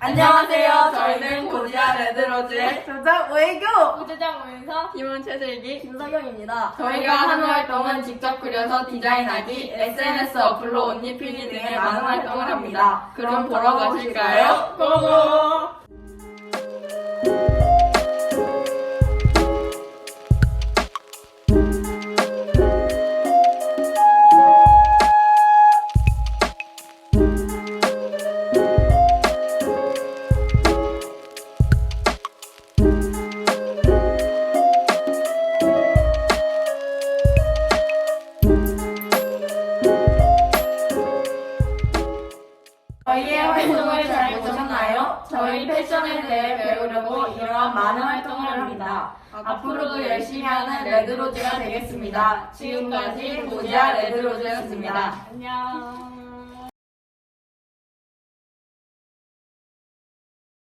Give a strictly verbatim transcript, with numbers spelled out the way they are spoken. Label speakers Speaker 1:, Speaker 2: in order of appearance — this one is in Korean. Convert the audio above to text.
Speaker 1: 안녕하세요. 저희는 고지아 레드로즈의
Speaker 2: 조장 외교
Speaker 3: 부재장 오윤서
Speaker 1: 팀원 최슬기
Speaker 2: 김석영입니다.
Speaker 1: 저희가 하는 활동은 직접 그려서 디자인하기, 에스엔에스 어플로 옷 입히기 등의 많은 활동을 합니다. 그럼 보러 가실까요? 고고! 저희의 활동을 잘 보셨나요? 저희 패션에 대해 배우려고 이러한 많은 활동을 합니다. 앞으로도 열심히 하는 레드로즈가 되겠습니다. 지금까지 고지아 레드로즈였습니다.
Speaker 3: 안녕.